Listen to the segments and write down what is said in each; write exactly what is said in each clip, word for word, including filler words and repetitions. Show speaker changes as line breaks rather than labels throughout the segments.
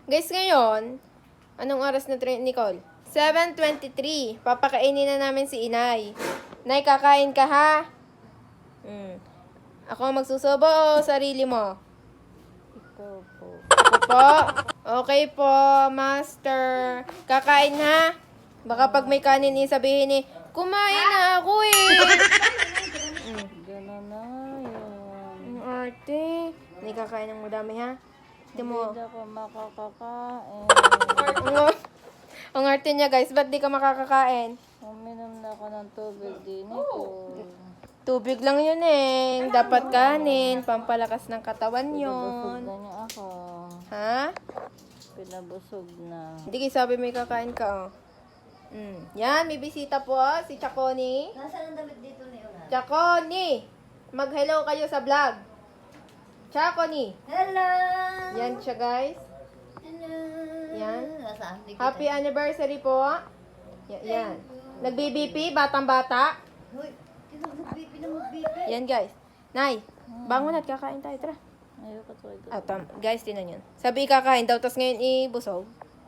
Guys, ngayon, anong oras na train, Nicole? seven twenty-three. Papakainin na namin si Inay. Nay, kakain ka ha? Hmm. Ako magsusubo o sarili mo?
Ikaw po.
Ako po? Okay po, master. Kakain ha? Baka pag may kanin sabihin ni, kumain na ako eh. Hmm.
Gano'n na yun.
Ang arte. Hindi kakain ng madami ha? Hindi mo.
Hindi ako makakakain.
Ang, ang arte niya guys, ba't di ka makakakain?
Uminom na ako ng tubig din ko.
Tubig lang yun eh. Dapat kanin, pampalakas ng katawan
Pinabusog
yun.
na niya ako.
Ha?
Pinabusog na.
Hindi kayo sabi may kakain ka oh. Mm. Yan, may bisita po si Chaconi.
Nasaan ang damit dito ni Una?
Chaconi! Mag-hello kayo sa vlog. Chaconi!
Hello!
Yan siya guys.
Hello!
Yan.
Nasaan? Di kita-
Happy anniversary po. Ya- yan. Nag-B B P, batang-bata.
Hoy, pinag-bipi na mag-bipi.
Yan guys. Nay, bangon at kakain tayo. Tara.
Ayoko to. Ito.
Ah, tam- guys, tinan yun. Sabi kakain daw, tapos ngayon ibusog.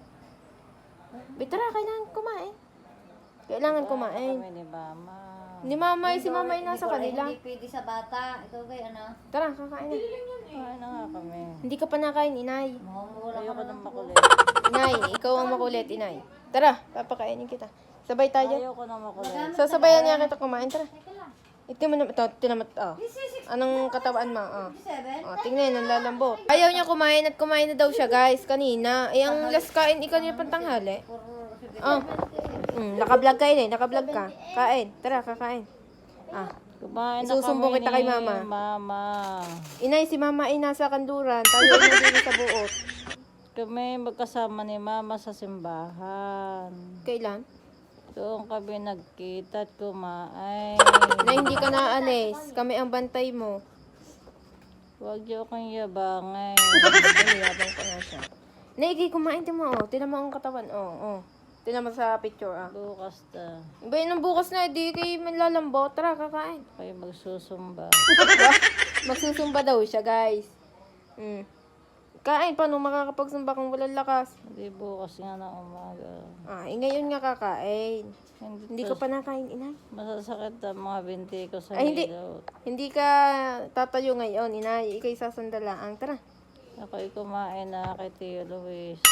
Bitara, kailangan kumain. Kailangan kumain.
Kami ni Mama.
Ni Mamay, si Mamay nasa
Nicole,
kanila.
Hindi pwede sa bata. Ikaw kay ano?
Tara, kakain na.
Kain na nga kami.
Hindi ka pa nakain, Inay.
Mamumura ka
Ayoko
na.
ng makulit.
Inay, ikaw ang makulit, Inay. Tara, papakainin kita. Sabay tayo.
Ayoko ng makulit.
Sasabayan niya kita kumain, tara. Ito mo naman, ito, tinamat, oh. Anong katawan mo, oh.
Seven?
Oh, tingnan, ang lalambot. Ayaw niya kumain at kumain na daw siya, guys, kanina. Eh, ang last kain, ikaw niya pantanghali. Oh. Mm, naka-vlog ka, Inay, naka-vlog ka. Kain, tara, kakain. Ah.
Kumain na
Isusumbong
kami
kita kay
ni
Mama.
Mama.
Inay, si Mama ay nasa kanduran. Tayo ay nandito sa buot.
Kami magkasama ni Mama sa simbahan.
Kailan?
Doon kami nagkita at kumain.
Na hindi ka naalis. Kami ang bantay mo.
Huwag niyo akong yabangin.
Ay, yabang ko na siya. Naigi, kumain din mo, oh. Tinan mo ang katawan, oh, oh. Tinan mo sa picture, ah.
Bukas na.
Iba yun ang bukas na, di kayo manlalambot. Tara, kakain.
Kayo magsusumba.
Magsusumba daw siya, guys. Mm. Kain, paano makakapagsumba kung walang lakas?
Hindi bukas nga na umaga.
Ah, eh, ngayon nga kakain.
Hindi,
Hindi ko pa nakain, Inay.
Masasakit ang mga binti ko sa
Ay, hindi.
hilot.
Hindi ka tatayo ngayon, Inay. Ika'y sasandalaang. Tara.
Ako'y kumain na kay Tio Luis.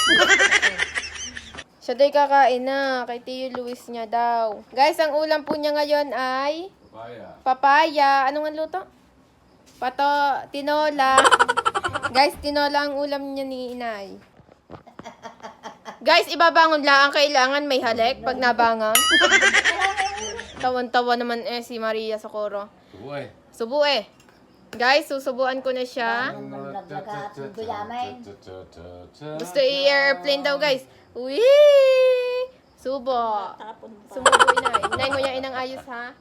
Siya da'y kakain na. Kay Tio Luis niya daw. Guys, ang ulam po niya ngayon ay... Papaya. Papaya. Anong ang luto? Pato, tinola. Guys, tinola ang ulam niya ni Inay. Guys, ibabangon lang. Ang kailangan may halik pag nabangon. Tawan-tawa naman eh si Maria Socorro.
Subo eh.
Subo eh. Guys, susubuan ko na siya.
Naglaga at guyamin.
Gusto i-airplane daw, guys. Uy! Subo. Sumubo, Inay. Inay, nguyain ang ayos, ha?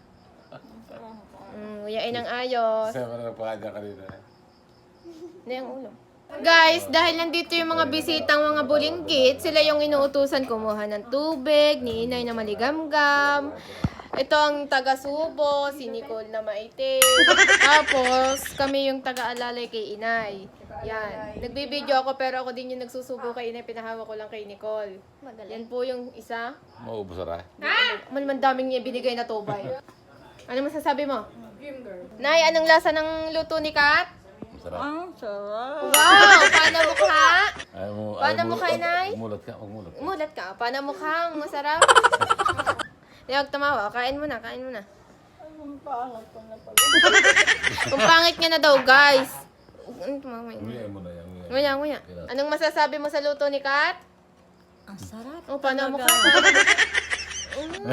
Mm, nguyain ang ayos.
Sama na nagpakadya kanina.
Hindi ang ulo. Guys, dahil nandito yung mga bisitang mga bulinggit, sila yung inuutusan kumuha ng tubig, ni Inay na maligamgam. Ito ang taga-subo, si Nicole na maitim. Tapos, kami yung taga-alalay kay Inay. Yan. Nagbibideo ako pero ako din yung nagsusubo kay Inay. Pinahawak ko lang kay Nicole. Yan po yung isa.
Maubos na rin.
Malaman daming niya binigay na tubay. Ano masasabi mo? Nay, anong lasa ng luto ni Kat?
Masarap.
Ang sarap.
Wow! Paano mukha?
Ayaw mo,
Paano
ayaw
mo kay Nay?
Umulat ka, umulat ka.
Umulat ka. Paano mukha? Masarap. Hindi ako tumawa. Kain mo na, kain mo na.
Ang pangat ko na pala.
Kung pangit niya na daw, guys. Ano tumawa yun?
Nguya mo na yan. nguya.
Nguya, nguya. Anong masasabi mo sa luto ni Kat?
Ang sarap.
Oh, paano mukha? Paano mukha?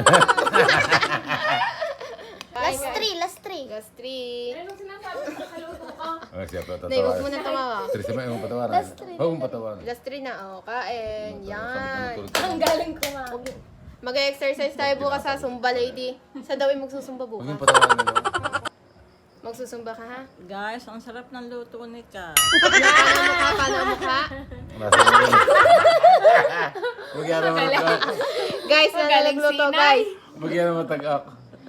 Last three, last three.
Last three.
Ah, siya pa
Nay, huwag mo
tatawa.
na tumawa.
Tres naman, yung patawaran. Huwag mong patawaran.
Last three na, oh. Kain. Yan.
Ang
Galing ko nga.
Mag-exercise tayo bukas sa Zumba, lady. Sa daw ay magsusumba
Huwag
bukas.
yung patawaran nila.
Magsusumba ka, ha?
Guys, ang sarap ng luto ni Ka.
Paano ang mukha? Paano ang mukha?
Nasa mo. Huwag yan naman matag-ak.
Guys, na nagluto, guys.
Huwag yan naman matag-ak.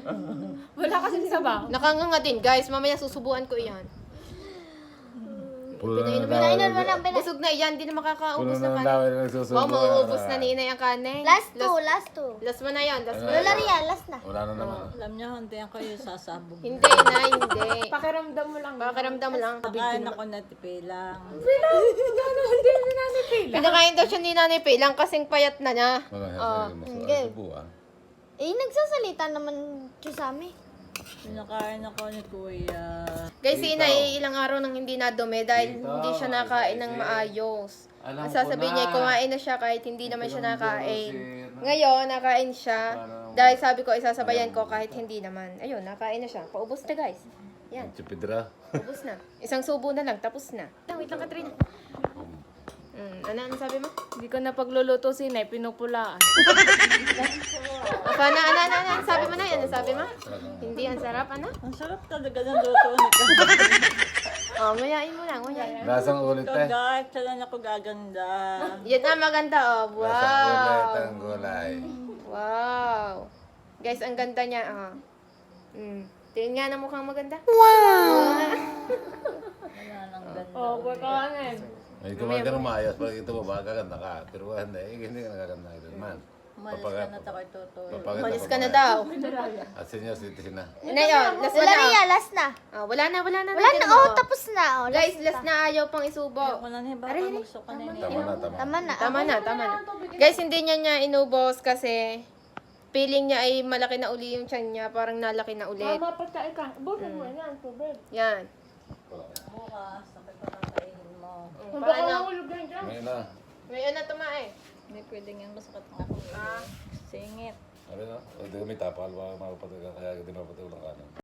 Nakanganga din, guys. Mamaya susubuan ko iyan.
Puno na
Pinainom
ng
Pinainan mo
daway.
lang, pinainan.
Busog na yan, hindi na
Puno
makakaubos
na
na
ng
kanin.
daway na nagsusubo.
Wow, mauubos na ni Inay ang kanin.
Last two, last two.
Last mo na yan, last mo na
Lola
yan.
Ria, last na.
Wala na naman.
Alam niyo, hindi ako yung sasabog.
Hindi na, hindi.
Pakiramdam mo lang.
Pakiramdam lang.
Kain ako na tipilang.
Pinakain daw siya ni Nanay Pay lang kasing payat na niya.
Wala na
Oh,
siya.
hindi.
Subo ah.
Eh, nagsasalita naman siya sa amin.
Pinakain ako ni Kuya.
Guys, si Inay ilang araw nang hindi nadumi dahil hindi siya nakain ng maayos. Ang sasabihin niya, kumain na siya kahit hindi naman siya nakain. Ngayon, nakain siya. Dahil sabi ko, isasabayan ko kahit hindi naman. Ayun, nakain na siya. Paubos na guys. Yan,
Chipidra.
ubos na. Isang subo na lang, tapos na. Lang, wait lang, Katrina. Mm, ano, ano sabi mo?
Hindi ko na pagluluto si Nay, pinupulaan.
Apa na, ano, ano, ano, sabi mo na, ano sabi mo? Hindi, ang sarap, ano?
Ang sarap talaga ng luto ni Kuya.
Oh, nguyain mo lang, nguyain.
Lasang ulit
Ito
eh.
guys, saan ako gaganda.
Yan ang maganda, oh.
Lasang ulit
Wow.
ang gulay.
Wow. Guys, ang ganda niya, ah. Mm. Tingin nga na mukhang maganda.
Wala nang ganda.
Oh, pagkain.
May kumain ka ng maayos. Pag ito mo ba, gaganda ka. Pero hindi, eh, hindi ka nagaganda ka rin man.
Umalis ka na tayo tutulog.
Papaganda
Umalis
pa
ka na
ba?
daw.
At senior citizen na.
Na yun, last mo
Lola
na.
Ria, last na.
Ah, wala na, wala na.
Wala
Tingnan
na,
mo,
oh, tapos na. Oh,
Guys, last na ayaw pang isubo.
Ako na niya, baka magsuka na niya.
Tama na, tama.
Tama na.
Tama na, tama na. Guys, hindi niya niya inubos kasi feeling niya ay malaki na uli yung tiyan niya. Parang nalaki na ulit.
Mama, pagkain ka. Busin mo yan, tubig.
Yan.
Bukas, sakit pa kakainin mo.
Mm,
Baka
Paano?
mahulog yan dyan.
Ngayon na.
May ano tumae.
Hindi pwedeng yan masakit ng ako.
Ah.
Singit.
Ano na? Hindi kami tapal. Baka makapatid ka. Kaya hindi mapatid ulang kanan.